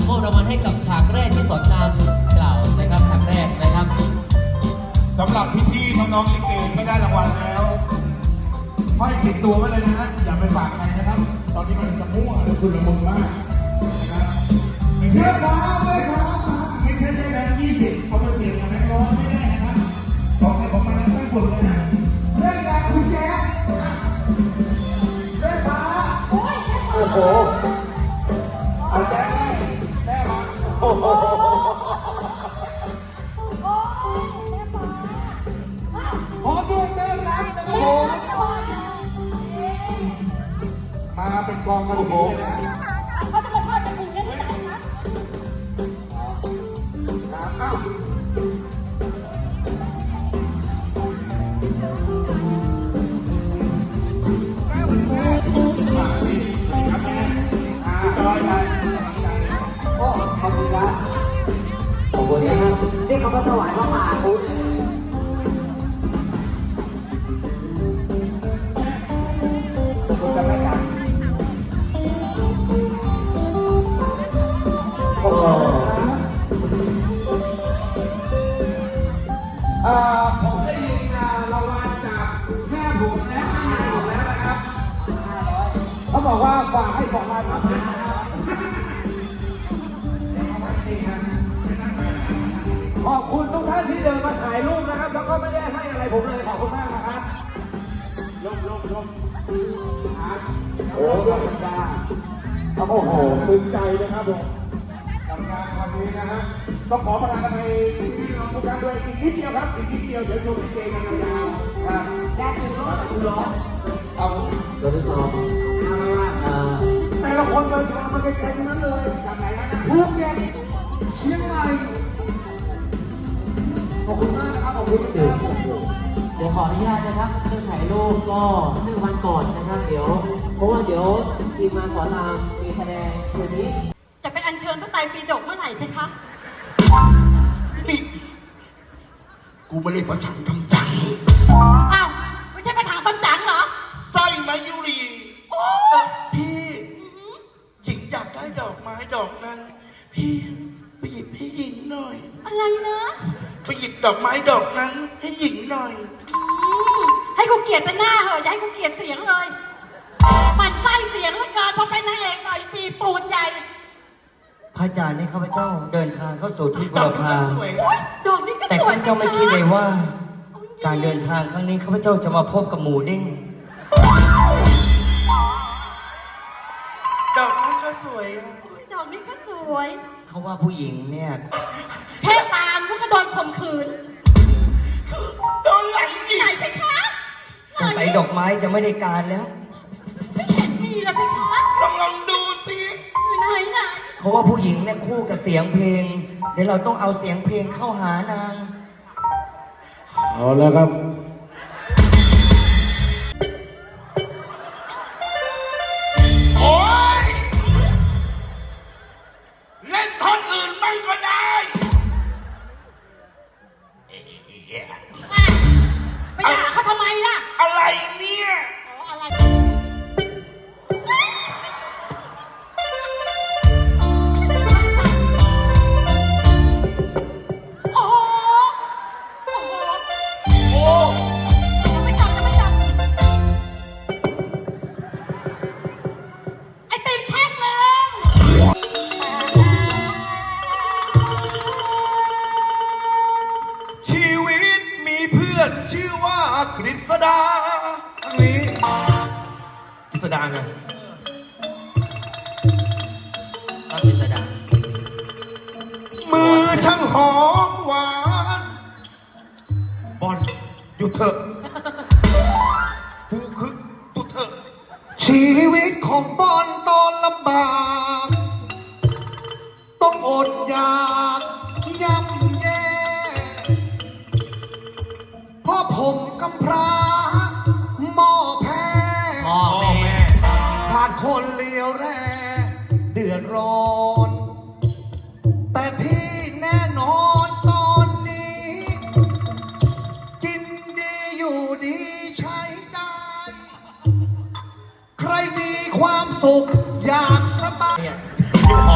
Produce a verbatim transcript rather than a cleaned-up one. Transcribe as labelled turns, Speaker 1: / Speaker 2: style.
Speaker 1: มอบรางวัลให้กับฉากแรกที่สอนรามกล่าวนะครับฉากแรกนะครับ
Speaker 2: สำหรับพี่ๆน้องๆลิเกไม่ได้รางวัลแล้วห้อยติดตัวไว้เลยนะฮะอย่าไปฝากใครนะครับ ตอนนี้มันจะมั่วและชุลมุนมากนะครับไม่ใช่ฟ้าไม่ฟ้าไม่ใช่แบงค์ยี่สิบเขาไปเปลี่ยนกับแบงค์ร้อยไม่ได้นะครับบอกให้ผมมาแล้วไม่บุญเลยนะเรื่องการคุณแจ๊คได้ฟ้าโอ้ยโอ้โหเอาแจ๊คได้มาโอ้โหขอดูเดินรับนะครับผมมาเป็นกองกันโอ้นะ
Speaker 3: เขาจะมาทอดกระถิ่นกันที่ไหนคะ
Speaker 2: ครับอ้าวแม่วันนี้แม่มาสิครับแม่อ่าจอยไปโอ้ขอบคุณครับขอบคุณนะครับนี่เขาก็ถวายพระมหาพุทธคุณจะไม่กันโอ้เอ่อผมได้ยินรางวัลจากแม่ผมและแม่ผมแล้วนะครับเขาบอกว่าฝากให้สองพันครับขอบคุณทุกท่านที่เดินมาถ่ายรูปนะครับแล้วก็ไม่ได้ให้อะไรผมเลยขอบคุณมากนะครับลงลงลงโอ้ขอบคุณจ้าโอ้โหตื่นใจนะครับผมกับงานวันนี้นะฮะต้องขอประทานอภัยพี่น้องทุกท่านด้วยอีกนิดเดียวครับอีกนิดเดียวเดี๋ยวชมลิเกกันยาวๆครับแยกคุณร้อนคุณร้อนเอาเดี๋ยวไปต่อแต่ละคนเดินทางมาไกลๆทั้งนั้นเลยจากไหนนะภูเก็ตเชียงใหม่ขอบคุณมากนะครับขอบคุณมาก
Speaker 1: เดี๋ยวขออนุญาตนะครับเรื่องถ่ายรูปก็เมื่อวันก่อนนะครับเดี๋ยวเพราะว่าเดี๋ยวทีมงานสอนรามมีแสดงคืนนี้
Speaker 3: จะไปอัญเชิญพระไตรปิฎกเมื่อไหร่เพคะ
Speaker 2: นี่กูไม่ได้ประถังทำจัง
Speaker 3: อ้าวไม่ใช่ประถังทำจังเหรอ
Speaker 2: สร้อยมายุรี
Speaker 3: โอ้
Speaker 2: พี่หญิงอยากได้ดอกไม้ดอกนั้นพี่ไปหยิบให้หญิงหน่อย
Speaker 3: อะไรนะ
Speaker 2: ไปหยิบดอกไม้ดอกนั้นให้หญิงหน่อย
Speaker 3: ให้กูเกลียดแต่หน้าเหรออย่าให้กูเกลียดเสียงเลยมันไส้เสียงเหลือเกินพอเป็นนางเอกหน่อยปีปูนใหญ่
Speaker 1: พระอาจารย์นี่ข้าพเจ้าเดินทางเข้าสู่ที่บุรพา
Speaker 3: ดอกนี้ก็สวย
Speaker 1: แต่ข้าพเจ้าไม่คิดเลยว่าการเดินทางครั้งนี้ข้าพเจ้าจะมาพบกับหมูเด้ง
Speaker 2: ดอกนี้ก็สวย
Speaker 3: ดอกนี้ก็สวย
Speaker 1: เขาว่าผู้หญิงเนี่ย
Speaker 3: เทพตามพวกก็โดนข่มขืน
Speaker 2: โดนหลังยิง
Speaker 3: ไหนไปคะ
Speaker 1: สงสัยดอกไม้จะไม่ได้การแล้ว
Speaker 3: ไม่เห็นมีเลยไปคะ
Speaker 2: ลองลองดูสิ
Speaker 3: ไหนไหน
Speaker 1: เขาว่าผู้หญิงเนี่ยคู่กับเสียงเพลงเดี๋ยวเราต้องเอาเสียงเพลงเข้าหานาง
Speaker 2: เอาแล้วครับโอ้ยเล่นท่อนอื่นบ้างก็ได้
Speaker 3: ไปด่าเขาทำไมล่ะ
Speaker 2: อะไรเนี่ย
Speaker 3: อ๋ออะไร
Speaker 2: ชื่อว่ากฤษดาอันนี้กฤษดาไง
Speaker 1: กฤษดา
Speaker 2: มือช่างหอมหวานบอลหยุดเถอะกูคือตุเถอะชีวิตของบอลตอนลำบากต้องอดอยากย่ำแย่เพราะผมกำพร้าหม้อแพ้
Speaker 1: พ่อแม่
Speaker 2: ขาดคนเลี้ยวแร่เดือดร้อน แต่ที่แน่นอนตอนนี้ กินดีอยู่ดีใช้ได้ ใครมีความสุขอยากสบาย